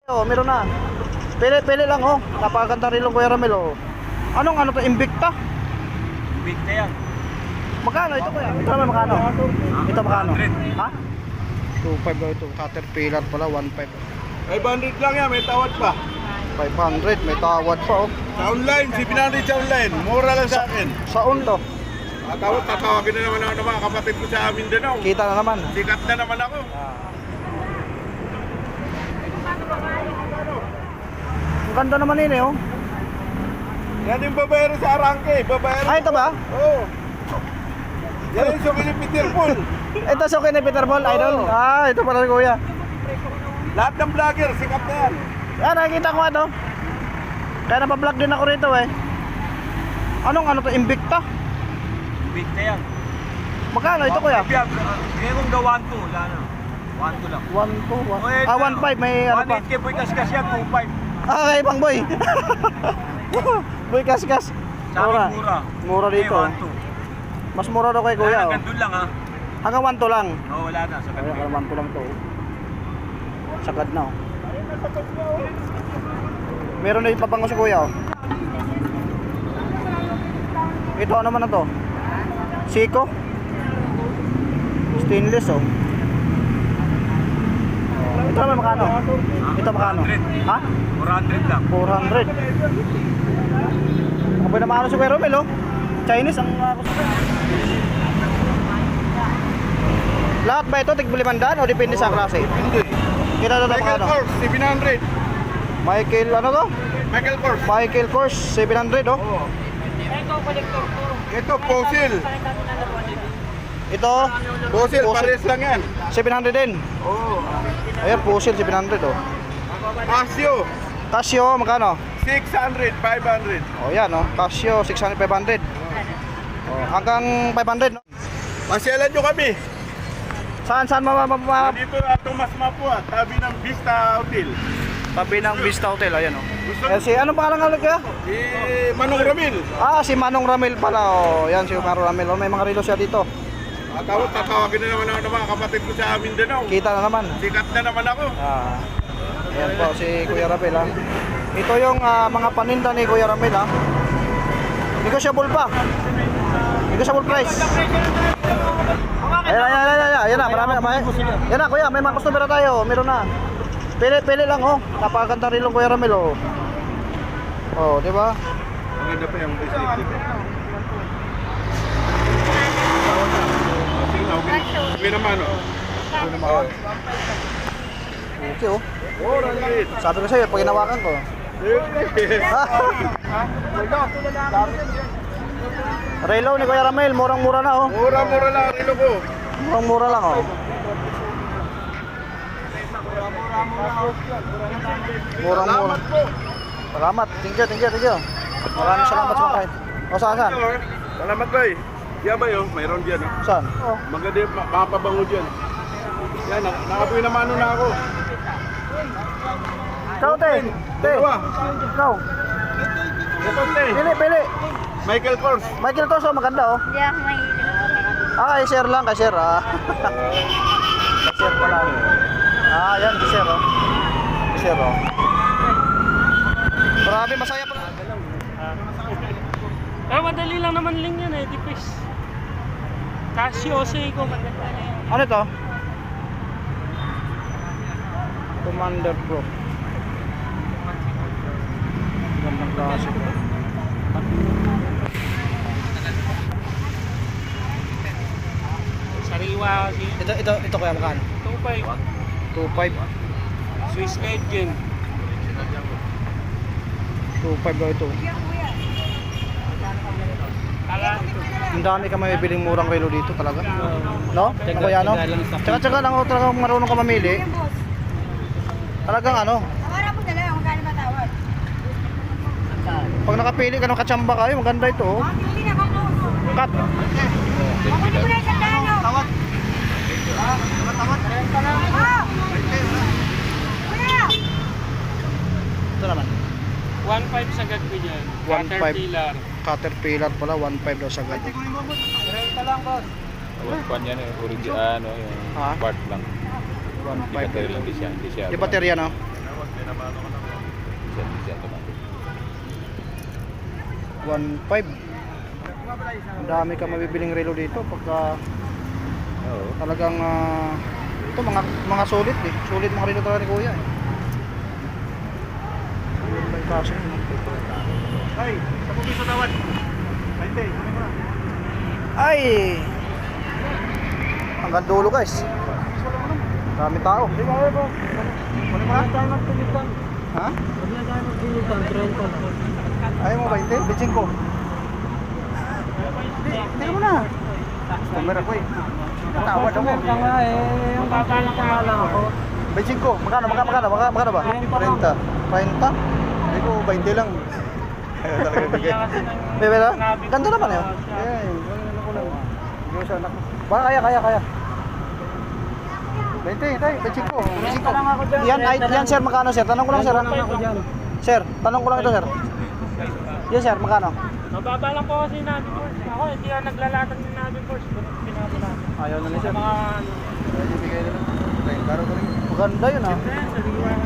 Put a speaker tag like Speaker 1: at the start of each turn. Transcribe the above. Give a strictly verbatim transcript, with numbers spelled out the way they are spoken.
Speaker 1: Oh, meron na. Pili-pili lang oh. Napakaganda rin lang Kuya Ramel oh. Anong ano to? Invicta?
Speaker 2: Invicta yan.
Speaker 1: Magkano ito Kuya? Ito naman magkano? Ito magkano?
Speaker 2: one hundred.
Speaker 1: Ha? two five daw ito. Caterpillar pala one five.
Speaker 3: five hundred lang yan, may tawad pa.
Speaker 1: five hundred, may tawad pa oh.
Speaker 3: Sa online, seven hundred sa online. Mura lang sa akin.
Speaker 1: Saon to?
Speaker 3: Tatawag, tatawagin na naman ako ng mga kapatid ko sa Mindanao.
Speaker 1: Kita na naman.
Speaker 3: Sikat na naman ako.
Speaker 1: Ang ganda naman yun eh oh.
Speaker 3: Yan yung babayero sa Arangke. Babayero.
Speaker 1: Ah, ito ba?
Speaker 3: Oo. Yan yung suki ni Peter Paul.
Speaker 1: Ito suki ni Peter Paul, idol.
Speaker 3: Oo.
Speaker 1: Ah, ito pala rin Kuya.
Speaker 3: Lahat ng vlogger, sikat na yan.
Speaker 1: Yan, nakikita ko ano. Kaya napablog din ako rito eh. Anong ano to? Invicta?
Speaker 2: Invicta yan.
Speaker 1: Magkano ito Kuya?
Speaker 2: Ngayon kong daw one two, wala na. one two lang.
Speaker 1: one two, ah one five, may ano pa.
Speaker 2: one eight K boy kaskas yan, two five.
Speaker 1: Ah, okay pang boy. Boy kaskas.
Speaker 2: Sa akin mura.
Speaker 1: Mura dito.
Speaker 2: one two.
Speaker 1: Mas mura daw kay Kuya oh.
Speaker 2: Hanggang doon lang ha.
Speaker 1: Hanggang one two lang.
Speaker 2: Oo, wala na. Sa
Speaker 1: Ay,
Speaker 2: kanila.
Speaker 1: hanggang one two lang to. oh. Sagad na oh. Meron na yung pabango si Kuya oh. Ito ano naman na to? Siko? Stainless oh. Ito naman makano? Ito makano? Ha?
Speaker 2: four hundred lang.
Speaker 1: four hundred. Ako na maano si Kuya Romel oh. Chinese ang uh, lahat ba ito tig-limandaan o depende sa klase?
Speaker 3: Hindi.
Speaker 1: Kita na ito
Speaker 3: Michael
Speaker 1: makano?
Speaker 3: Kors, seven hundred.
Speaker 1: Michael ano to?
Speaker 3: Michael Kors.
Speaker 1: Michael Kors seven hundred oh.
Speaker 3: Oo. Ito, Fossil.
Speaker 1: Ito
Speaker 3: Fossil, pares lang yan.
Speaker 1: seven hundred din.
Speaker 3: Oo.
Speaker 1: Ayan Fossil seven hundred oh.
Speaker 3: Casio,
Speaker 1: Casio magkano?
Speaker 3: six hundred, five hundred.
Speaker 1: Oh yan oh. Casio six hundred five hundred. Oh, hanggang five hundred no?
Speaker 3: Pasyalan nyo kami.
Speaker 1: Saan saan ma, ma, ma,
Speaker 3: Dito na Tomas Mapua, tabi ng Vista Hotel.
Speaker 1: tabi ng Vista Hotel ayan oh.
Speaker 3: Gusto
Speaker 1: Eh, si anong pangalan nga kaya?
Speaker 3: Eh, Manong Ramil.
Speaker 1: Ah, si Manong Ramil pala oh. Yan si Manong Ramil. Oh, may mga relo siya dito.
Speaker 3: Tatawag, tatawagin na naman ako ng mga kapatid ko sa Mindanao.
Speaker 1: Kita na naman.
Speaker 3: Sikat na naman ako.
Speaker 1: Ah. Ayan po si Kuya Ramil ha. Ito yung ah, mga paninda ni Kuya Ramil ha. Negotiable pa. Negotiable price. Ayan, ayan, ayan, ayan, ayan na, marami, may, yan na Kuya, may mga customer na tayo, meron na. Pili, pili lang oh, napakaganda rin lang Kuya Ramil oh. Oh, di ba?
Speaker 3: Maganda pa yung business dito. Sige naman oh.
Speaker 1: Okay oh.
Speaker 3: Oh, Ramil.
Speaker 1: Sabi ko sa'yo, pag hinawakan ko. Relo ni Kuya Ramil, murang-mura na oh.
Speaker 3: Mura-mura lang ang relo ko.
Speaker 1: Murang-mura lang oh. Murang-mura.
Speaker 3: Salamat po.
Speaker 1: Salamat. Thank you, thank you, thank you. Maraming salamat sa mga kahit. O saan, saan?
Speaker 3: Salamat boy. Yan ba yun? Mayroon dyan oh.
Speaker 1: Saan? Oh.
Speaker 3: Maganda yung ma- mapabango dyan. Yan, nak- nakapoy na mano na ako.
Speaker 1: Ikaw, te. Te.
Speaker 3: Dalawa.
Speaker 1: Ikaw.
Speaker 3: Ito, te.
Speaker 1: Pili, pili.
Speaker 3: Michael Kors.
Speaker 1: Michael Toso, maganda oh.
Speaker 4: Hindi ako mahilig.
Speaker 1: Ah, i-share lang, ka-share ah. Ka-share pala. Ah, yan, i-share oh. I-share oh. Grabe, masaya pala.
Speaker 5: Eh, madali lang naman lang yan eh, tipis. Casio, Seiko, maganda na yan.
Speaker 1: Ano ito? Commander Pro. Gandang klase ko.
Speaker 5: Sariwa kasi.
Speaker 1: Ito, ito, ito kaya magkano?
Speaker 5: two five.
Speaker 1: two five.
Speaker 5: Swiss Cajun.
Speaker 1: two five daw ito.
Speaker 5: Kala ito.
Speaker 1: Ang dami ka may biling murang relo dito talaga. No? Ano kaya no? Tsaka-tsaka lang ako talagang marunong ka mamili. Talagang ano?
Speaker 4: Tawara po dala, magkano ba tawad?
Speaker 1: Pag nakapili ka ng katsamba kayo, maganda ito. oh.
Speaker 4: Ang hindi na ako.
Speaker 1: Cut.
Speaker 4: Ako hindi mo na isang dano.
Speaker 1: Tawad. Tawad, tawad.
Speaker 4: Oh! Kuya!
Speaker 1: Ito naman.
Speaker 5: one five sagad ko dyan.
Speaker 1: one five.
Speaker 5: Caterpillar.
Speaker 1: Caterpillar pala, one five daw sagad.
Speaker 6: Kwan yan eh, original ano yung
Speaker 1: Ha?
Speaker 6: part lang.
Speaker 1: one
Speaker 6: Di
Speaker 1: five.
Speaker 6: battery lang di siya, di siya.
Speaker 1: Di baterya no? one five. Ang dami ka mabibiling relo dito pagka talagang ah, ito mga mga solid eh. Solid mga relo talaga ni Kuya eh. Ayun ba yung kaso yun?
Speaker 3: Ay, sa piso tawad. Hindi, kunin mo na.
Speaker 1: Ay! Hanggang dulo guys. Dami tao.
Speaker 3: Di ba, ay po? Kunin mo na.
Speaker 1: Ha? Ayaw mo ba hindi? Bitching ko. Hindi mo na. Customer ako eh. Natawad ako.
Speaker 5: Yung babalang ka lang ako.
Speaker 1: Bitching ko. Magkano? Magkano? Magkano? Magkano, magkano ba? thirty. thirty? Hindi ko, twenty lang. Ayaw talaga bigay. Bebe na? Ganda naman yun. Ayan, ano ko lang. Hindi ko sa anak ko. Baka kaya, kaya, kaya. twenty, tay, bitching ko. Bitching ko. Yan, ay, yan sir, magkano sir? Tanong ko lang sir. ha? Sir, tanong ko lang ito sir. Yan sir, magkano?
Speaker 5: Mababa lang po kasi namin course. Ako, hindi ako naglalatag din namin course. Pinapala.
Speaker 1: Ayaw na ni sir.
Speaker 5: Mga ano.
Speaker 1: Ibigay na lang. thirty ko rin. Maganda yun ah.
Speaker 5: Siyempre, sa